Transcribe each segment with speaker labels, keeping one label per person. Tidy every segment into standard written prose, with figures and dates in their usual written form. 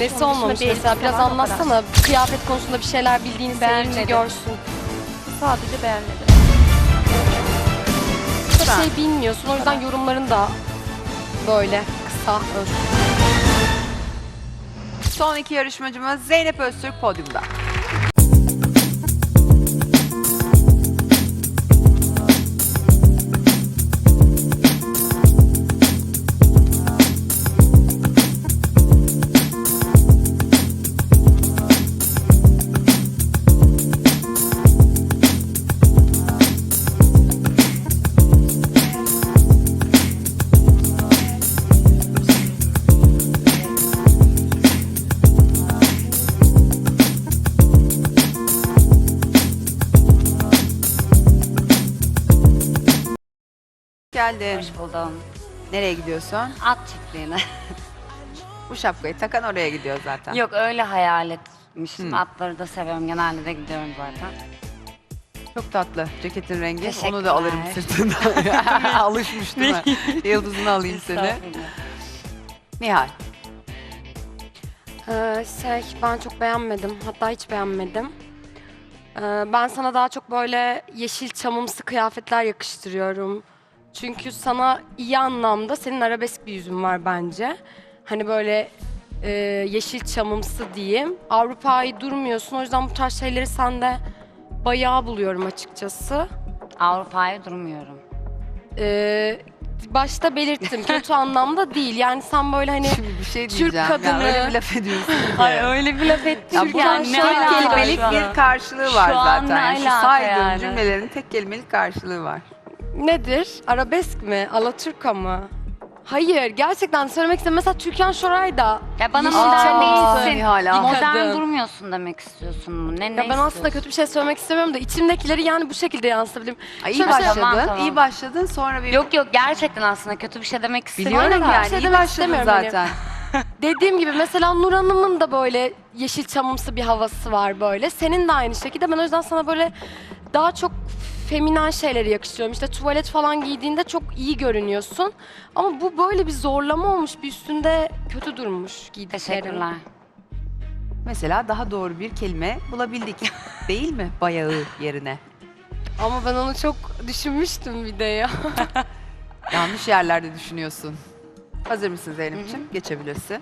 Speaker 1: Nesi
Speaker 2: Onun dışında
Speaker 1: olmamış
Speaker 2: bir
Speaker 1: mesela?
Speaker 2: elbise
Speaker 1: Biraz
Speaker 2: var, o kadar.
Speaker 1: anlatsana. Kıyafet konusunda bir şeyler bildiğini seyirci
Speaker 2: Beğenmedim.
Speaker 1: görsün.
Speaker 2: Sadece beğenmedim.
Speaker 1: Çok şey bilmiyorsun. O yüzden yorumların da böyle kısa, öz.
Speaker 3: Son iki yarışmacımız Zeynep Öztürk podyumda. Geldin.
Speaker 4: Hoş buldum.
Speaker 3: Nereye gidiyorsun?
Speaker 4: At çiftliğine.
Speaker 3: Bu şapkayı takan oraya gidiyor zaten.
Speaker 4: Yok öyle hayal etmiştim. Atları da seviyorum. Genelde de gidiyorum zaten.
Speaker 3: Çok tatlı. Ceketin rengi. Onu
Speaker 4: Teşekkürler.
Speaker 3: da alırım sırtından. Alışmış değil mi? Yıldızını alayım seni.
Speaker 4: Estağfurullah.
Speaker 3: Nihal.
Speaker 1: Ben çok beğenmedim. Hatta hiç beğenmedim. Ben sana daha çok böyle yeşil çamımsı kıyafetler yakıştırıyorum. Çünkü sana iyi anlamda senin arabesk bir yüzün var bence. Hani böyle yeşil çamımsı diyeyim. Avrupa'yı durmuyorsun. O yüzden bu tarz şeyleri sende bayağı buluyorum açıkçası.
Speaker 4: Avrupa'ya durmuyorum.
Speaker 1: Başta belirttim. Kötü anlamda değil. Yani sen böyle hani
Speaker 3: Şimdi bir şey
Speaker 1: Türk
Speaker 3: diyeceğim.
Speaker 1: kadını.
Speaker 3: Ya öyle bir laf ediyorsun.
Speaker 1: Ay öyle bir laf ettin.
Speaker 3: Ya
Speaker 1: ki
Speaker 3: bunun
Speaker 1: yani
Speaker 3: tek
Speaker 1: ne alaka
Speaker 3: kelimelik
Speaker 1: şu an?
Speaker 3: bir karşılığı var
Speaker 4: Şu an
Speaker 3: zaten.
Speaker 4: ne
Speaker 3: Şu
Speaker 4: alaka
Speaker 3: saydığım
Speaker 4: yani?
Speaker 3: cümlelerin tek kelimelik karşılığı var.
Speaker 1: Nedir? Arabesk mi? Alaturka mı? Hayır, gerçekten söylemek istedim. Mesela Türkan Şoray da
Speaker 4: Ya bana
Speaker 1: yeşil
Speaker 4: modern
Speaker 1: çamımsı.
Speaker 4: değilsin.
Speaker 3: Nihal,
Speaker 4: Modern
Speaker 1: kadın.
Speaker 4: durmuyorsun demek istiyorsun. Ne
Speaker 1: Ya ben
Speaker 4: istiyorsun?
Speaker 1: aslında kötü bir şey söylemek istemiyorum da içimdekileri yani bu şekilde yansıtabilirim.
Speaker 3: Ay, iyi
Speaker 1: Şöyle bir şey-
Speaker 3: başladın.
Speaker 4: Tamam.
Speaker 3: İyi başladın. Sonra bir
Speaker 4: Yok gerçekten aslında kötü bir şey demek istemiyorum.
Speaker 3: biliyorum
Speaker 1: Aynen,
Speaker 3: yani.
Speaker 1: bir şey
Speaker 3: iyi
Speaker 1: demek
Speaker 3: başladın
Speaker 1: istemiyorum
Speaker 3: zaten.
Speaker 1: Dediğim gibi mesela Nur Hanım'ın da böyle yeşil çamımsı bir havası var böyle. Senin de aynı şekilde. Ben o yüzden sana böyle daha çok feminen şeyleri yakıştırıyorum. İşte tuvalet falan giydiğinde çok iyi görünüyorsun. Ama bu böyle bir zorlama olmuş. Bir üstünde kötü durmuş giydiklerin.
Speaker 4: Teşekkürler.
Speaker 3: Mesela daha doğru bir kelime bulabildik. Değil mi? Bayağı yerine.
Speaker 1: Ama ben onu çok düşünmüştüm bir de ya.
Speaker 3: Yanlış yerlerde düşünüyorsun. Hazır mısın Zeynep'ciğim? Geçebilirsin.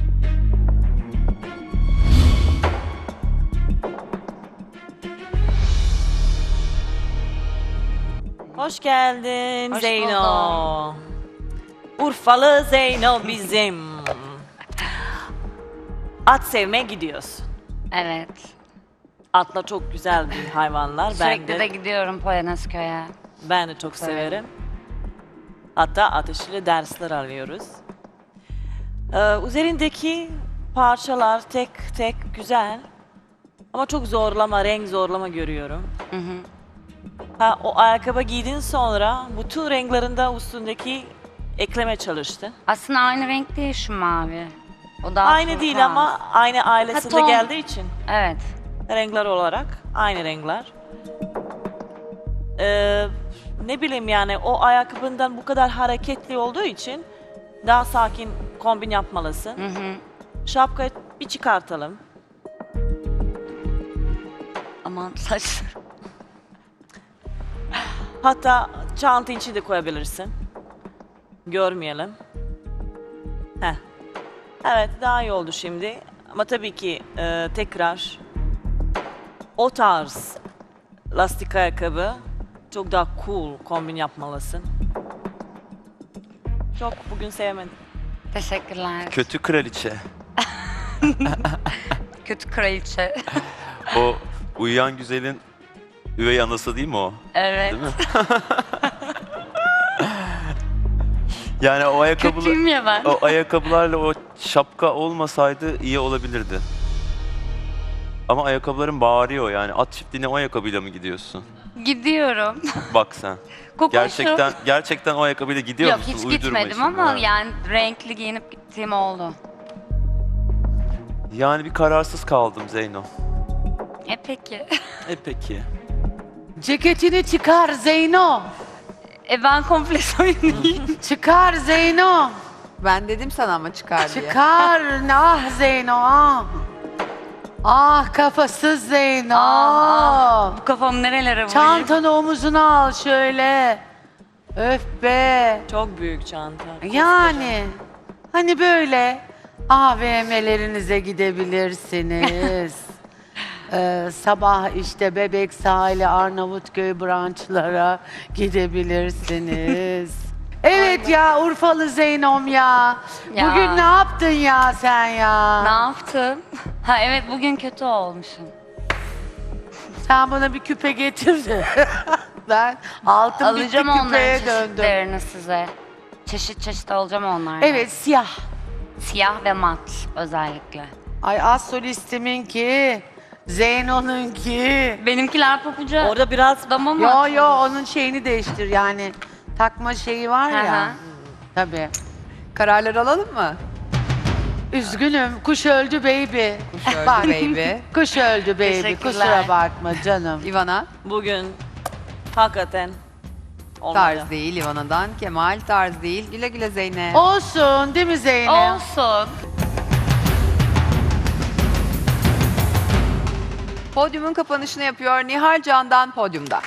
Speaker 5: Hoş geldin
Speaker 4: Hoş
Speaker 5: Zeyno. Urfalı Zeyno bizim. At sevmeye gidiyorsun.
Speaker 4: Evet.
Speaker 5: Atla çok güzel bir hayvanlar.
Speaker 4: Sürekli de gidiyorum Polonezköy'e.
Speaker 5: Ben de çok severim. Hatta ateşli dersler alıyoruz. Üzerindeki parçalar tek tek güzel. Ama çok zorlama, renk zorlama görüyorum.
Speaker 4: Hı hı.
Speaker 5: Ha, o ayakkabı giydin sonra bütün renklerinde üstündeki ekleme çalıştın.
Speaker 4: Aslında aynı renk değil şu mavi. O daha
Speaker 5: Aynı
Speaker 4: turkuaz.
Speaker 5: değil ama aynı ailesinde
Speaker 4: ton.
Speaker 5: geldiği için
Speaker 4: Evet.
Speaker 5: renkler olarak aynı renkler. Ne bileyim yani o ayakkabından bu kadar hareketli olduğu için daha sakin kombin yapmalısın.
Speaker 4: Hı hı.
Speaker 5: Şapkayı bir çıkartalım.
Speaker 4: Aman saçlarım.
Speaker 5: Hatta çanta içi de koyabilirsin. Görmeyelim. Heh. Evet daha iyi oldu şimdi. Ama tabii ki tekrar o tarz lastik ayakkabı çok daha cool kombin yapmalısın. Çok bugün sevmedim.
Speaker 4: Teşekkürler.
Speaker 6: Kötü kraliçe.
Speaker 4: Kötü kraliçe.
Speaker 6: O uyuyan güzelin üvey anası değil mi o?
Speaker 4: Evet.
Speaker 6: Değil mi? Yani o
Speaker 4: Kötüyüm ya ben.
Speaker 6: o ayakkabılarla o şapka olmasaydı iyi olabilirdi. Ama ayakkabıların bağırıyor yani. At çiftliğine o ayakkabıyla mı gidiyorsun?
Speaker 4: Gidiyorum.
Speaker 6: Bak sen.
Speaker 4: Kokoşum.
Speaker 6: Gerçekten o ayakkabıyla gidiyor
Speaker 4: Yok
Speaker 6: musun?
Speaker 4: hiç
Speaker 6: Uydurma
Speaker 4: gitmedim
Speaker 6: şimdi,
Speaker 4: ama
Speaker 6: ha.
Speaker 4: yani renkli giyinip gittiğim oldu.
Speaker 6: Yani bir kararsız kaldım Zeyno.
Speaker 4: Peki.
Speaker 6: Peki.
Speaker 7: Ceketini çıkar Zeyno.
Speaker 4: Ben komple soyunayım.
Speaker 7: Çıkar Zeyno.
Speaker 3: Ben dedim sana ama çıkar diye.
Speaker 7: Çıkar. Ah Zeyno ah. Ah kafasız Zeyno.
Speaker 4: Bu kafamı nerelere vurayım?
Speaker 7: Çantanı omuzuna al şöyle. Öf be.
Speaker 5: Çok büyük çanta.
Speaker 7: Yani hani böyle AVM'lerinize gidebilirsiniz. Sabah işte Bebek sahili Arnavutköy branşlara gidebilirsiniz. Evet ya Urfalı Zeynom ya.
Speaker 4: Ya.
Speaker 7: Bugün ne yaptın ya sen ya?
Speaker 4: Ne yaptım? Ha evet bugün kötü olmuşum.
Speaker 7: Sen bana bir küpe getir de. Ben altın
Speaker 4: Alacağım
Speaker 7: bitti
Speaker 4: onların
Speaker 7: küpeye döndüm.
Speaker 4: çeşitlerini size. Çeşit çeşit alacağım onlardan.
Speaker 7: Evet siyah.
Speaker 4: Siyah ve mat özellikle.
Speaker 7: Ay az solistiminki, Zeyno'nunki.
Speaker 4: Benimkiler papuca.
Speaker 5: Orada biraz
Speaker 4: dama mı?
Speaker 7: Yo yo onun şeyini değiştir yani takma şeyi var
Speaker 4: Hı
Speaker 7: ya.
Speaker 4: hı.
Speaker 7: Tabii.
Speaker 3: Kararlar alalım mı?
Speaker 7: Üzgünüm kuş öldü baby.
Speaker 3: Kuş öldü
Speaker 7: Bak,
Speaker 3: baby.
Speaker 7: Kuş öldü baby
Speaker 4: Teşekkürler.
Speaker 7: kusura bakma canım.
Speaker 3: Ivana
Speaker 5: bugün hakikaten olmadı.
Speaker 3: tarz değil Ivana'dan. Kemal tarz değil. Güle güle Zeynep.
Speaker 7: Olsun değil mi Zeynep?
Speaker 4: Olsun.
Speaker 3: Podyumun kapanışını yapıyor Nihal Can'dan podyumda.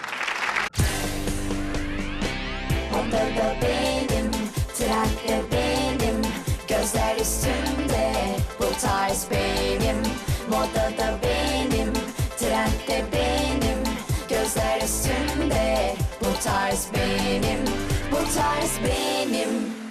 Speaker 8: Odada benim, trende benim, gözler üstümde, bu tarz benim. Modada benim, trende benim, gözler üstümde, bu tarz benim, bu tarz benim.